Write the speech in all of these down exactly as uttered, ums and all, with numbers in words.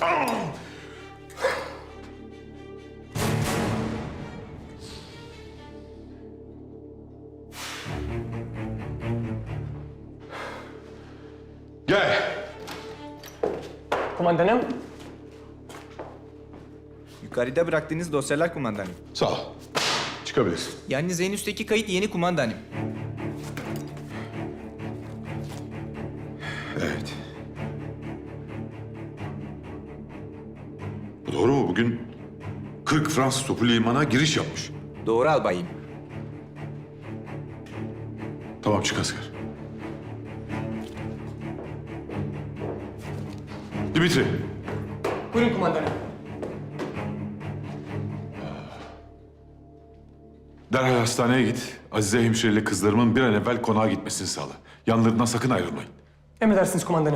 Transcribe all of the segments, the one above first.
Gel. Kumandanım. Yukarıda bıraktığınız dosyalar kumandanım. Sağ ol. Çıkabilirsin. Yalnız en üstteki kayıt yeni kumandanım. Evet. Bu doğru mu? Bugün kırk Fransız topu limana giriş yapmış. Doğru albayım. Tamam, çık asker. Dimitri. Buyurun kumandanım. Derhal hastaneye git. Azize hemşireyle kızlarımın bir an evvel konağa gitmesini sağla. Yanlarından sakın ayrılmayın. Emredersiniz kumandanım.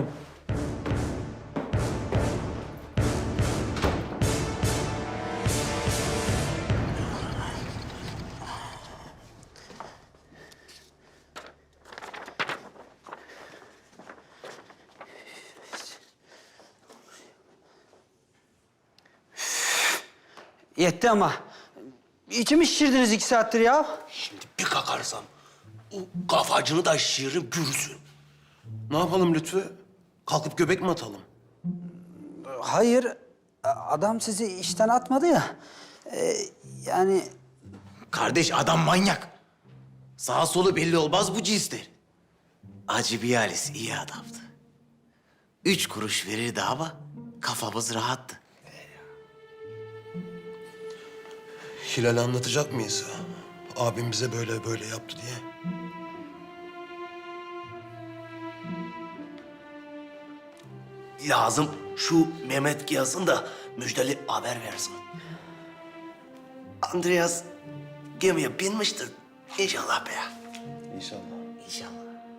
Yetti ama. İçimi şişirdiniz iki saattir ya. Şimdi bir kakarsam o kafacını da şişiririm görürsün. Ne yapalım Lütfü? Kalkıp göbek mi atalım? Hayır, adam sizi işten atmadı ya. Ee, yani Kardeş adam manyak. Sağa solu belli olmaz bu cinsler. Acı bir Halis iyi adamdı. Üç kuruş verirdi ama kafamız rahattı. Hilal'e anlatacak mıyız? Abim bize böyle böyle yaptı diye. Lazım şu Mehmet yazsın da müjdeli haber versin. Andreas gemiye binmiştir. İnşallah be. İnşallah. İnşallah.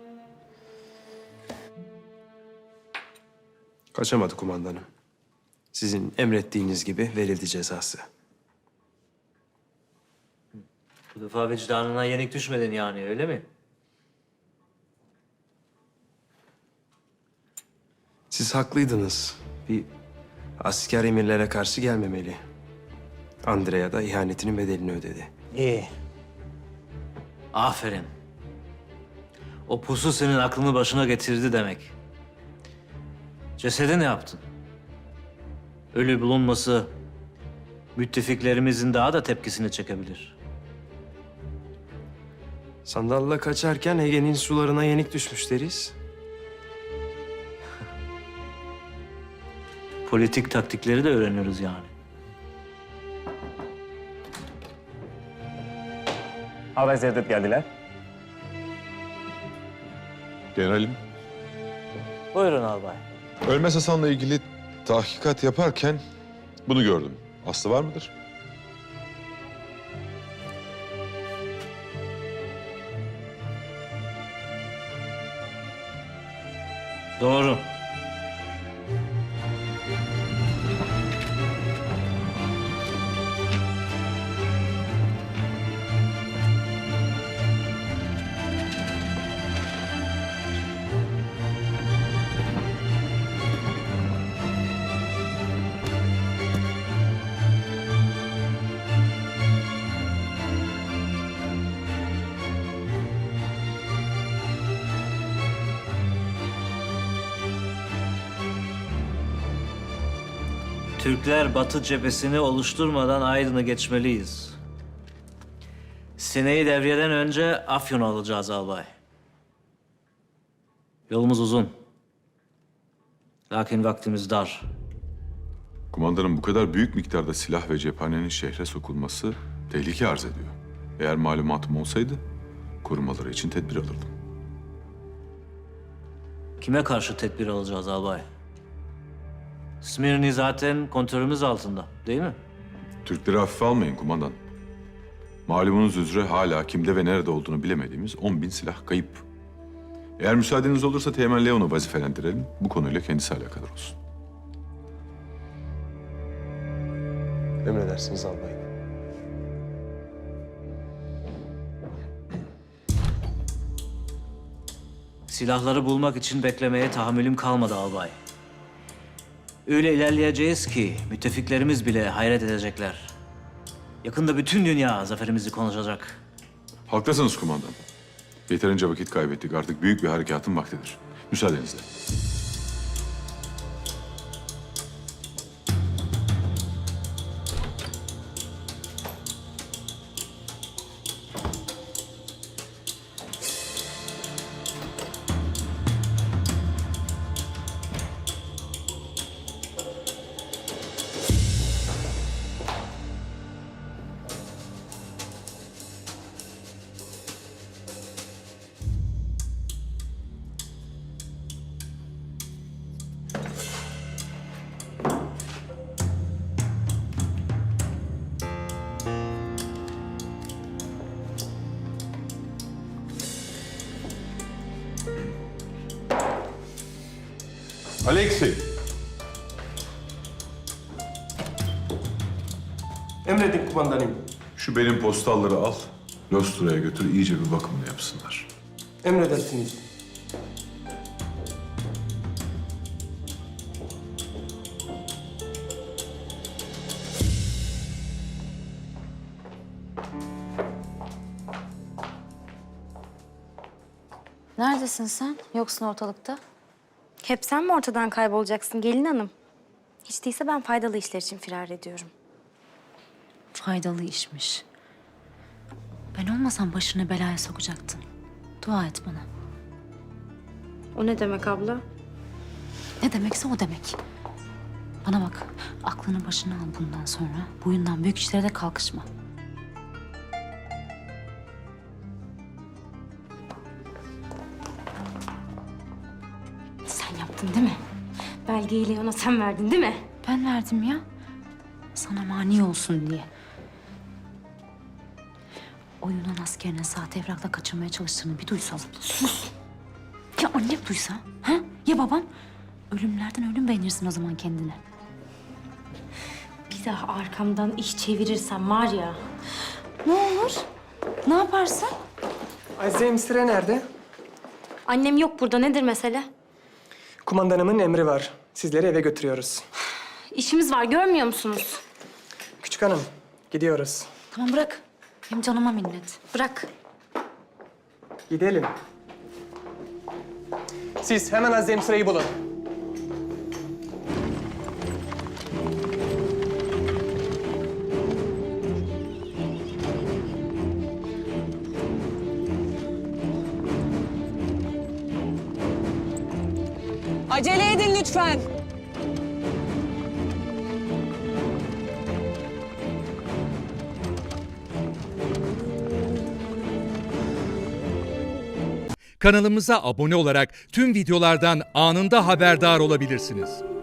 Kaçamadı kumandanım. Sizin emrettiğiniz gibi verildi cezası. Bu defa vicdanına yenik düşmedin yani, öyle mi? Siz haklıydınız. Bir asker emirlere karşı gelmemeli. Andrea da ihanetinin bedelini ödedi. İyi. Aferin. O pusu senin aklını başına getirdi demek. Cesedi ne yaptın? Ölü bulunması müttefiklerimizin daha da tepkisini çekebilir. Sandalla kaçarken Ege'nin sularına yenik düşmüş deriz. Politik taktikleri de öğreniyoruz yani. Albay Cevdet geldiler. Generalim, Buyurun albay. Ölmez Hasan'la ilgili tahkikat yaparken bunu gördüm. Aslı var mıdır? Doğru. Türkler Batı cephesini oluşturmadan Aydın'ı geçmeliyiz. Sine'yi devriyeden önce Afyon'u alacağız albay. Yolumuz uzun. Lakin vaktimiz dar. Kumandanım, bu kadar büyük miktarda silah ve cephanenin şehre sokulması tehlike arz ediyor. Eğer malumatım olsaydı korumaları için tedbir alırdım. Kime karşı tedbir alacağız albay? Smirni zaten kontrolümüz altında, değil mi? Türkleri hafife almayın kumandan. Malumunuz üzere hala kimde ve nerede olduğunu bilemediğimiz on bin silah kayıp. Eğer müsaadeniz olursa Teğmen Leon'u vazifelendirelim. Bu konuyla kendisi alakadar olsun. Emredersiniz albayım. Silahları bulmak için beklemeye tahammülüm kalmadı albay. Öyle ilerleyeceğiz ki müttefiklerimiz bile hayret edecekler. Yakında bütün dünya zaferimizi konuşacak. Haklısınız kumandan. Yeterince vakit kaybettik. Artık büyük bir harekatın vaktidir. Müsaadenizle. Alexey. Emredin kumandanım. Şu benim postalları al. Lostra'ya götür, iyice bir bakımını yapsınlar. Emredersiniz. Neredesin sen? Yoksun ortalıkta. Hep sen mi ortadan kaybolacaksın gelin hanım? Hiç değilse ben faydalı işler için firar ediyorum. Faydalı işmiş. Ben olmasam başını belaya sokacaktın. Dua et bana. O ne demek abla? Ne demekse o demek. Bana bak, aklını başına al bundan sonra. Boyundan büyük işlere de kalkışma. Sen yaptın değil mi? Belgeyi Leon'a sen verdin değil mi? Ben verdim ya. Sana mani olsun diye. O Yunan askerine sahte evrakla kaçırmaya çalıştığını bir duysa... Sus! Ya annem duysa? Ha? Ya babam? Ölümlerden ölüm beğenirsin o zaman kendine. Bir daha arkamdan iş çevirirsen var ya. Ne olur? Ne yaparsın? Azize Emsire nerede? Annem yok burada nedir mesele? Kumandanımın emri var. Sizleri eve götürüyoruz. İşimiz var görmüyor musunuz? Küçük hanım, gidiyoruz. Tamam bırak. Benim canıma minnet. Bırak. Gidelim. Siz hemen Azize Emsire'yi bulun. Acele edin lütfen. Kanalımıza abone olarak tüm videolardan anında haberdar olabilirsiniz.